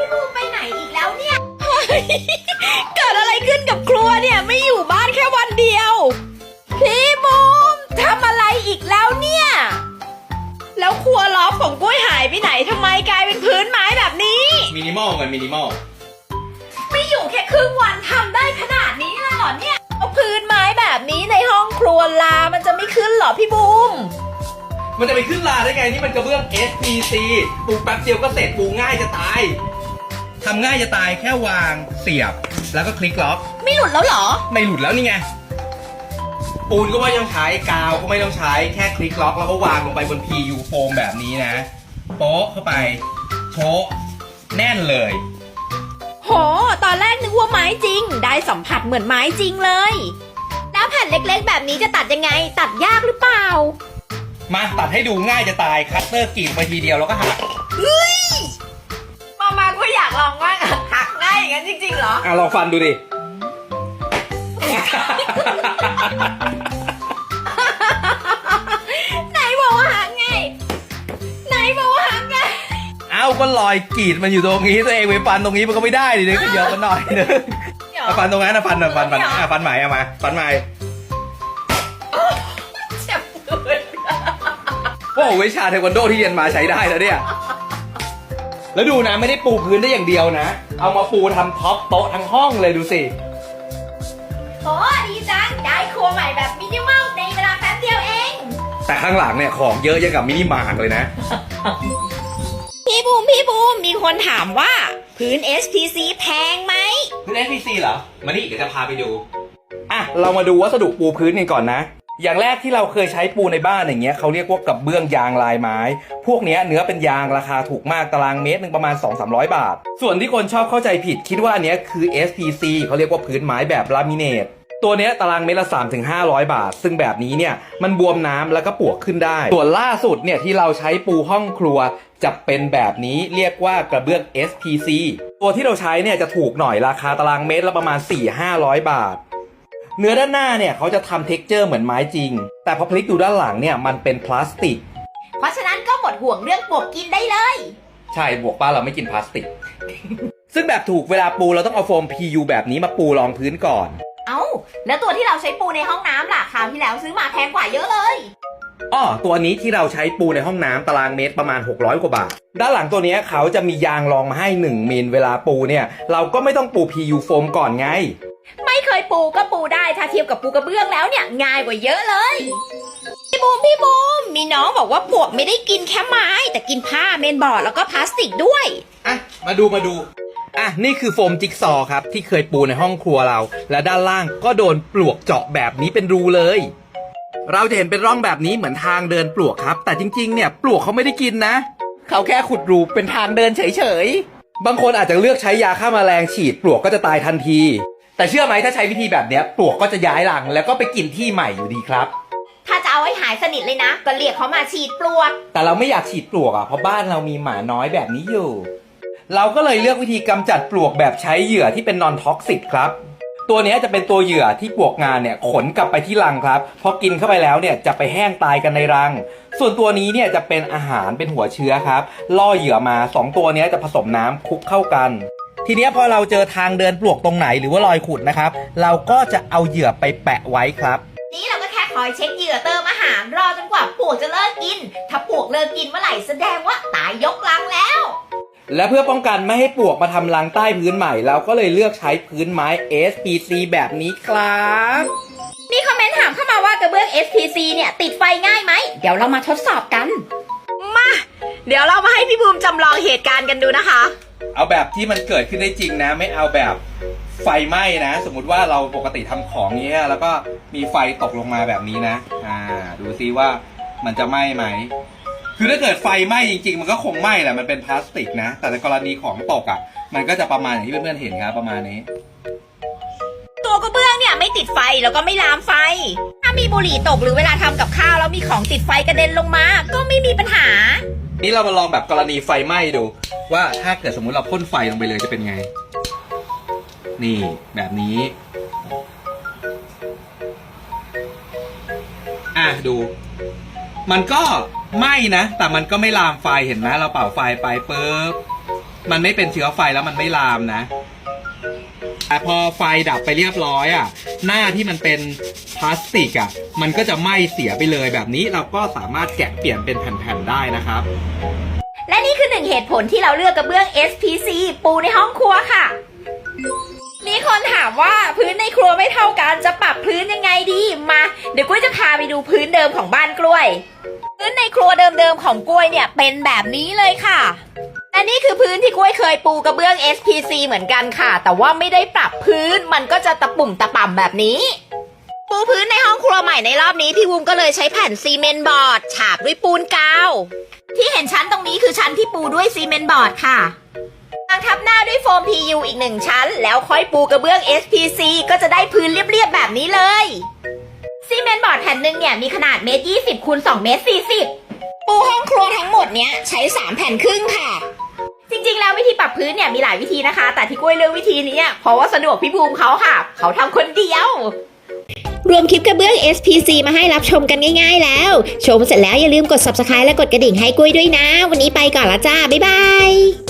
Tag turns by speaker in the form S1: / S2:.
S1: พี่บูมไปไหนอีกแล้วเนี่ยเกิดอะไรขึ้นกับครัวเนี่ยไม่อยู่บ้านแค่วันเดียวพี่บูมทำอะไรอีกแล้วเนี่ยแล้วครัวล้อมของกล้วยหายไปไหนทำไมกลายเป็นพื้นไม้แบบนี้
S2: มินิมอลกันมินิมอล
S1: ไม่อยู่แค่ครึ่งวันทำได้ขนาดนี้เลยเหรอเนี่ยเอาพื้นไม้แบบนี้ในห้องครัวลามันจะไม่ขึ้นเหรอพี่บูม
S2: มันจะไปขึ้นลาได้ไงนี่มันกระเบื้อง SPC ปูแป๊บเดียวก็เสร็จปูง่ายจะตายทำง่ายจะตายแค่วางเสียบแล้วก็คลิกล็อก
S1: ไม่หลุดแล้วเหรอ
S2: ไม่หลุดแล้วนี่ไงปูนก็ไม่ต้องใช้กาวก็ไม่ต้องใช้แค่คลิกล็อกแล้วก็วางลงไปบน PU โฟมแบบนี้นะโป๊ะเข้าไปโชะแน่นเลย
S1: โหตอนแรกนึกว่าไม้จริงได้สัมผัสเหมือนไม้จริงเลยแล้วแผ่นเล็กๆแบบนี้จะตัดยังไงตัดยากหรือเปล่า
S2: มาตัดให้ดูง่ายจะตายคัตเตอร์กรีดไปทีเดียวแล้วก็หัก
S1: เฮ้ยมาก็อยากลองว่างหักง่ายอย่างนั้นจริงๆเหรอ
S2: ลองฟันดูดิ
S1: ไหนบอกว่าหักไงไหนบอกว่าหักไง
S2: ก็รอยกรีดมันอยู่ตรงนี้ตัวเองไปฟันตรงนี้มันก็ไม่ได้ดิเนี่ยก็เยอะกันหน่อยนึงฟันตรงนั้นฟันฟันใหม่เอามาฟันใหม่
S1: เจ็บเลย
S2: โอ้วิชาเทควันโดที่เรียนมาใช้ได้แล้วเนี่ยแล้วดูนะไม่ได้ปูพื้นได้อย่างเดียวนะเอามาปูทำท็อปโต๊ะทั้งห้องเลยดูสิ
S1: โอ้ดีจังได้ครัวใหม่แบบมินิมอลในเวลาแป๊บเดียวเอง
S2: แต่ข้างหลังเนี่ยของเยอะยังกับมินิมาร์ทเลยนะ
S1: พี่บูมมีคนถามว่าพื้น SPC แพงไหม
S2: พื้น SPC เหรอมานี่เดี๋ยวจะพาไปดูเรามาดูวัสดุปูพื้นกันก่อนนะอย่างแรกที่เราเคยใช้ปูในบ้านอย่างเงี้ยเขาเรียกว่ากระเบื้องยางลายไม้พวกเนี้ยเนื้อเป็นยางราคาถูกมากตารางเมตรนึงประมาณ 200-300 บาทส่วนที่คนชอบเข้าใจผิดคิดว่าอันเนี้ยคือ SPC เขาเรียกว่าพื้นไม้แบบลามิเนตตัวเนี้ยตารางเมตรละ 300-500 บาทซึ่งแบบนี้เนี่ยมันบวมน้ำแล้วก็ปวกขึ้นได้ส่วนล่าสุดเนี่ยที่เราใช้ปูห้องครัวจะเป็นแบบนี้เรียกว่ากระเบื้อง SPC ตัวที่เราใช้เนี่ยจะถูกหน่อยราคาตารางเมตรละประมาณ 400-500 บาทเนื้อด้านหน้าเนี่ยเขาจะทำเท็กเจอร์เหมือนไม้จริงแต่พอพลิกดูด้านหลังเนี่ยมันเป็นพลาสติก
S1: เพราะฉะนั้นก็หมดห่วงเรื่องปวกกินได้เลย
S2: ใช่บวกป้าเราไม่กินพลาสติก ซึ่งแบบถูกเวลาปูเราต้องเอาโฟม PU แบบนี้มาปูรองพื้นก่อน
S1: แล้วตัวที่เราใช้ปูในห้องน้ำล่ะคราวที่แล้วซื้อมาแพงกว่าเยอะเลย
S2: ตัวนี้ที่เราใช้ปูในห้องน้ำตารางเมตรประมาณ600กว่าบาทด้านหลังตัวนี้เขาจะมียางรองมาให้1มิลเวลาปูเนี่ยเราก็ไม่ต้องปู PU โฟมก่อนไง
S1: ไม่เคยปูก็ปูได้ถ้าเทียบกับปูกระเบื้องแล้วเนี่ยง่ายกว่าเยอะเลยพี่บูมมีน้องบอกว่าปวกไม่ได้กินแค่ไม้แต่กินผ้าเมนบอร์ดแล้วก็พลาสติกด้วย
S2: มาดูนี่คือโฟมจิ๊กซอครับที่เคยปูในห้องครัวเราและด้านล่างก็โดนปลวกเจาะแบบนี้เป็นรูเลยเราจะเห็นเป็นร่องแบบนี้เหมือนทางเดินปลวกครับแต่จริงๆเนี่ยปลวกเขาไม่ได้กินนะเขาแค่ขุดรูเป็นทางเดินเฉยๆบางคนอาจจะเลือกใช้ยาฆ่าแมลงฉีดปลวกก็จะตายทันทีแต่เชื่อไหมถ้าใช้วิธีแบบนี้ปลวกก็จะย้ายรังแล้วก็ไปกินที่ใหม่อยู่ดีครับ
S1: ถ้าจะเอาให้หายสนิทเลยนะก็เรียกเขามาฉีดปลวก
S2: แต่เราไม่อยากฉีดปลวกเพราะบ้านเรามีหมาน้อยแบบนี้อยู่เราก็เลยเลือกวิธีกำจัดปลวกแบบใช้เหยื่อที่เป็นนอนท็อกซิกครับตัวนี้จะเป็นตัวเหยื่อที่ปลวกงานเนี่ยขนกลับไปที่รังครับพอกินเข้าไปแล้วเนี่ยจะไปแห้งตายกันในรังส่วนตัวนี้เนี่ยจะเป็นอาหารเป็นหัวเชื้อครับล่อเหยื่อมา2ตัวนี้จะผสมน้ำคลุกเข้ากันทีนี้พอเราเจอทางเดินปลวกตรงไหนหรือว่ารอยขุดนะครับเราก็จะเอาเหยื่อไปแปะไว้ครับ
S1: นี่เราก็แค่คอยเช็คเหยื่อเติมอาหารรอจนกว่าปลวกจะเลิกกินถ้าปลวกเลิกกินเมื่อไหร่แสดงว่าตายยกรังแล้ว
S2: และเพื่อป้องกันไม่ให้ปลวกมาทำรังใต้พื้นใหม่เราก็เลยเลือกใช้พื้นไม้ SPC แบบนี้ครับ
S1: มีคอมเมนต์ถามเข้ามาว่ากระเบื้อง SPC เนี่ยติดไฟง่ายไหมเดี๋ยวเรามาทดสอบกันมาเดี๋ยวเรามาให้พี่บูมจำลองเหตุการณ์กันดูนะคะ
S2: เอาแบบที่มันเกิดขึ้นได้จริงนะไม่เอาแบบไฟไหม้นะสมมุติว่าเราปกติทำของนี้แล้วก็มีไฟตกลงมาแบบนี้นะดูซิว่ามันจะไหม้ไหมคือถ้าเกิดไฟไหม้จริงๆมันก็คงไหม้แหละมันเป็นพลาสติกนะแต่ในกรณีของตกมันก็จะประมาณอย่างที่เพื่อนๆเห็นครับประมาณนี้
S1: ตัวกระเบื้องเนี่ยไม่ติดไฟแล้วก็ไม่ลามไฟถ้ามีบุหรี่ตกหรือเวลาทำกับข้าวแล้วมีของติดไฟกระเด็นลงมาก็ไม่มีปัญหา
S2: นี่เรามาลองแบบกรณีไฟไหม้ดูว่าถ้าเกิดสมมุติเราพ่นไฟลงไปเลยจะเป็นไงนี่แบบนี้ดูมันก็ไหม้นะแต่มันก็ไม่ลามไฟเห็นไหมเราเป่าไฟไปปุ๊บมันไม่เป็นเชื้อไฟแล้วมันไม่ลามนะแต่พอไฟดับไปเรียบร้อยอ่ะหน้าที่มันเป็นพลาสติกอ่ะมันก็จะไหม้เสียไปเลยแบบนี้เราก็สามารถแกะเปลี่ยนเป็นแผ่นๆได้นะครับ
S1: และนี่คือหนึ่งเหตุผลที่เราเลือกกระเบื้อง SPC ปูในห้องครัวค่ะ มีคนถามว่าพื้นในครัวไม่เท่ากันจะปรับพื้นยังไงดีมาเดี๋ยวกุ้ยจะพาไปดูพื้นเดิมของบ้านกล้วยพื้นในครัวเดิมๆของกล้วยเนี่ยเป็นแบบนี้เลยค่ะและนี่คือพื้นที่กล้วยเคยปูกระเบื้อง SPC เหมือนกันค่ะแต่ว่าไม่ได้ปรับพื้นมันก็จะตะปุ่มตะป่ำแบบนี้ปูพื้นในห้องครัวใหม่ในรอบนี้พี่วุ้มก็เลยใช้แผ่นซีเมนต์บอร์ดฉาบด้วยปูนกาวที่เห็นชั้นตรงนี้คือชั้นที่ปูด้วยซีเมนต์บอร์ดค่ะทับหน้าด้วยโฟม PU อีก1ชั้นแล้วค่อยปูกระเบื้อง SPC ก็จะได้พื้นเรียบๆแบบนี้เลยซีเมนต์บอร์ดแผ่นหนึ่งเนี่ยมีขนาด1.20 คูณ 2.40 เมตรปูห้องครัวทั้งหมดเนี้ยใช้3 แผ่นครึ่งค่ะจริงๆแล้ววิธีปรับพื้นเนี่ยมีหลายวิธีนะคะแต่ที่กล้วยเลือกวิธีนี้เพราะว่าสะดวกพี่บูมเขาค่ะเขาทำคนเดียวรวมคลิปกระเบื้อง SPC มาให้รับชมกันง่ายๆแล้วชมเสร็จแล้วอย่าลืมกด Subscribe และกดกระดิ่งให้กล้วยด้วยนะวันนี้ไปก่อนละจ้าบ๊ายบาย